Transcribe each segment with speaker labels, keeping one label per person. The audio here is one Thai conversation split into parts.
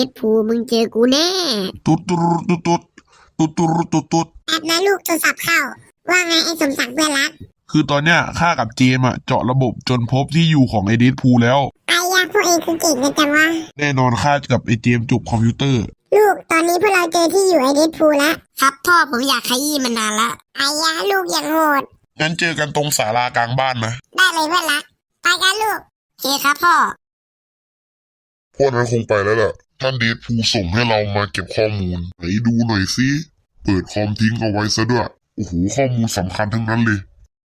Speaker 1: ดพูมึงเจอกูแน่
Speaker 2: ตุ๊ดตุ๊ดตุ๊ดตุ๊ดตุ๊ดตุ๊ดตุ๊ดตุ๊ด
Speaker 1: แอบนะลูกโทรศัพท์เข้าว่าไงไอ้สมศักดิ์เพื่อนรัก
Speaker 2: คือตอนเนี้ยข้ากับเจมเจาะระบบจนพบที่อยู่ของไอเดดพูลแล้ว
Speaker 1: ไอ้ยาพวกเองคือเก่งกันจังวะ
Speaker 2: แน่นอนข้ากับไอเจมจบคอมพิวเตอร์
Speaker 1: ลูกตอนนี้พวกเราเจอที่อยู่ไอเดดพูลแล้วครับพ่อผมอยากขยี้มันนานละไอ้ยาลูกอย่างโหด
Speaker 2: งั้นเจอกันตรงศาลากลางบ้านนะ
Speaker 1: ได้เลยเพื่อนรักไปกันลูกโอเคครับพ่อ
Speaker 2: พวกนั้นคงไปแล้วล่ะท่านเดดพูลส่งให้เรามาเก็บข้อมูลไหนดูหน่อยสิเปิดคอมทิ้งเอาไว้ซะด้วยโอ้โหข้อมูลสำคัญทั้งนั้นเลย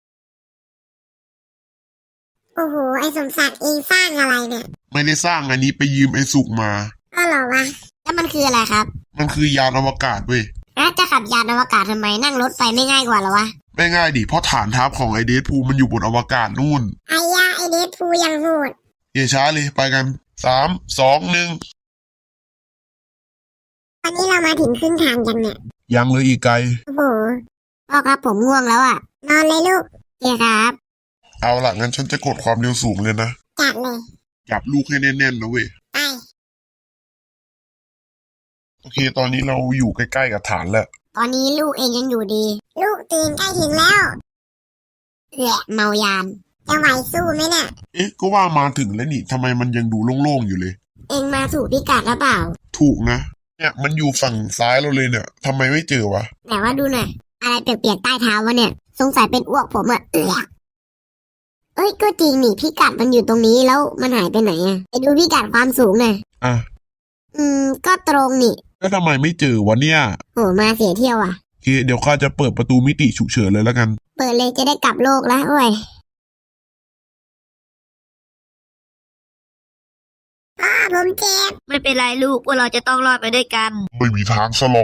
Speaker 1: โอ้โหไอ้สมศักดิ์เองสร้างอะไรเนี่ย
Speaker 2: ไม่ได้สร้างอันนี้ไปยืมไอ้สุกมา
Speaker 1: ก็หรอวะแล้วมันคืออะไรครับ
Speaker 2: มันคือยานอวกาศเว้ย
Speaker 1: จะขับยานอวกาศทำไมนั่งรถไฟไม่ง่ายกว่าหรอวะ
Speaker 2: ไม่ง่ายดิเพราะฐานทัพของไอเดดพูลมันอยู่บนอวกาศนู่น
Speaker 1: ไอ้ยาไอเดดพูลยังโหด
Speaker 2: อย่าช้าเลยไปกัน3 2 1
Speaker 1: วันนี้เรามาถึงครึ่งทางยังเนี่ย
Speaker 2: ยังเลยอีกไกล
Speaker 1: โอ้โหพ่อครับผมง่วงแล้วอ่ะนอนเลยลูกเดี๋ยวครับ
Speaker 2: เอาล่ะงั้นฉันจะกดความเร็วสูงเลยนะ
Speaker 1: จัดเลย
Speaker 2: จับลูกให้แน่นๆนะเว้ย
Speaker 1: ไป
Speaker 2: โอเคตอนนี้เราอยู่ใกล้ๆกับฐานแล้ว
Speaker 1: ตอนนี้ลูกเองยังอยู่ดีลูกตื่นใกล้ถึงแล้วเมายานจะไหวสู้ไหมเนี่ย
Speaker 2: ก็ว่ามาถึงแล้วนี่ทำไมมันยังดูโล่งๆอยู่เลย
Speaker 1: เองมาถูกพิกัดหรือเปล่า
Speaker 2: ถูกนะเนี่ยมันอยู่ฝั่งซ้ายเราเลยเนี่ยทำไมไม่เจอวะ
Speaker 1: แต่ว่าดูหน่อยอะไรเปียกๆใต้เท้าวะเนี่ยสงสัยเป็นอ้วกผมอะก็จริงนี่พิกัดมันอยู่ตรงนี้แล้วมันหายไปไหนอะไปดูพิกัดความสูงหน่อยก็ตรงนี่
Speaker 2: แล้วทำไมไม่เจอวะเนี่ย
Speaker 1: โหมาเสียเที่ยวอ่ะ
Speaker 2: โอเคเดี๋ยวข้าจะเปิดประตูมิติฉุกเฉินเลยแล้วกัน
Speaker 1: เปิดเลยจะได้กลับโลกแล้วโอ้ยผมเจ็บไม่เป็นไรลูกพวกเราจะต้องรอดไปด้วยกัน
Speaker 2: ไม่มีทางสลบ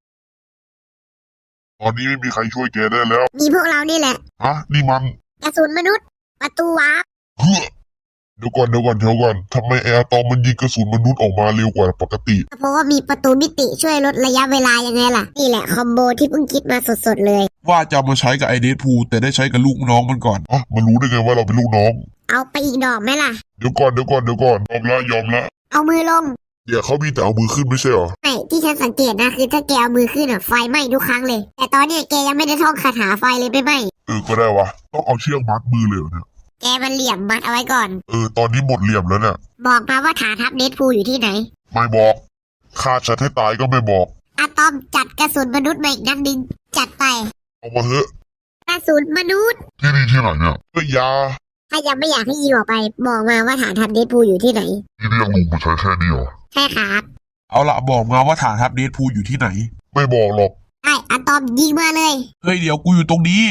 Speaker 2: ตอนนี้ไม่มีใครช่วยแกได้แล้ว
Speaker 1: มีพวกเรานี่แหละ
Speaker 2: นี่มัน
Speaker 1: กระสุนมนุษย์ประตูวาร์ป
Speaker 2: เดี๋ยวก่อนทำไมแอร์ตอมมันยิงกระสุนมนุษย์ออกมาเร็วกว่าปกติ
Speaker 1: เพราะว่ามีประตูมิติช่วยลดระยะเวลายังไงล่ะนี่แหละคอมโบที่เพิ่งคิดมาสดๆเลย
Speaker 2: ว่าจะมาใช้กับไอเดดพูลแต่ได้ใช้กับลูกน้องมันก่อนมันรู้ได้ไงว่าเราเป็นลูกน้อง
Speaker 1: เอาไปอีกดอกไหมล่ะ
Speaker 2: เดี๋ยวก่อนยอมละ
Speaker 1: เอามือลง
Speaker 2: เดี๋ยวเขามีแต่เอามือขึ้นไม่ใช่หรอ
Speaker 1: ไม่ที่ฉันสังเกตนะคือถ้าแกเอามือขึ้นไฟไหม้ทุกครั้งเลยแต่ตอนนี้แกยังไม่ได้ท่องคาถาไฟเลยไม่ไหม้
Speaker 2: ก็ได้วะต้องเอาเชือกมัดมือเลยเนี่ย
Speaker 1: แกมันเหลี่ยมมัดเอาไว้ก่อน
Speaker 2: ตอนนี้หมดเหลี่ยมแล้วเนี่ย
Speaker 1: บอกมาว่าฐานทัพเดดพูลอยู่ที่ไหน
Speaker 2: ไม่บอกฆ่าฉันให้ตายก็ไม่บอก
Speaker 1: อะตอมจัดกระสุนมนุษย์มาอีกนัดนึงจัดไป
Speaker 2: เอามาเถอะ
Speaker 1: กระสุนมนุษย์
Speaker 2: ที่นี่ที่ไหนเนี่ยยา
Speaker 1: ถ้ายังไม่อยากให้ยิงออกไปบอกมาว่าฐานทัพเดดพูลอยู่ที่ไหน
Speaker 2: ที่เรียกลุงมาใช้แค่นี้เหรอ
Speaker 1: ใช่ครับ
Speaker 2: เอาละบอกมาว่าฐานทัพเดดพูลอยู่ที่ไหนไม่บอกหรอก
Speaker 1: ไอ้อะตอมยิงมาเลย
Speaker 2: เฮ้ยเดี๋ยวกูอยู่ตรงนี้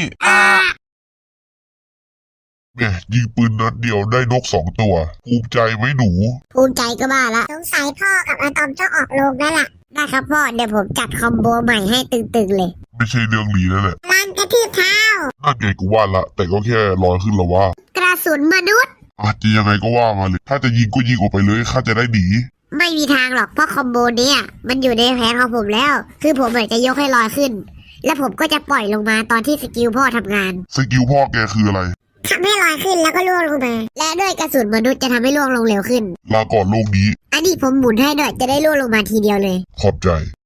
Speaker 2: แม่ยิงปืนนัดเดียวได้นก2 ตัวภูมิใจไหมหนู
Speaker 1: ภูมิใจก็บ้าละสงสัยพ่อกับอะตอมต้องออกโรงแล้วล่ะได้ครับพ่อเดี๋ยวผมจัดคอมโบใหม่ให้ตึงๆเลย
Speaker 2: ไม่ใช่เรื่องหลีแล้วแหละ
Speaker 1: ลังกระทืบเท้า
Speaker 2: นั่นไงกูว่าละแต่ก็แค่ลอยขึ้นละว่
Speaker 1: ากระสุนมนุษย์
Speaker 2: จะยังไงก็ว่ามาเลยถ้าจะยิงก็ยิงออกไปเลยข้าจะได้หนี
Speaker 1: ไม่มีทางหรอกเพราะคอมโบนี้มันอยู่ในแผนของผมแล้วคือผมจะยกให้ลอยขึ้นแล้วผมก็จะปล่อยลงมาตอนที่สกิลพ่อทำงาน
Speaker 2: สกิลพ่อแกคืออะไร
Speaker 1: ทำให้ลอยขึ้นแล้วก็ล่วงลงมาและด้วยกระสุนมนุษย์จะทำให้ล่วงลงเร็วขึ้น
Speaker 2: ลาก่อนโลกนี้
Speaker 1: อันนี้ผมหมุนให้ด้วยจะได้ล่วงลงมาทีเดียวเลย
Speaker 2: ขอบใจ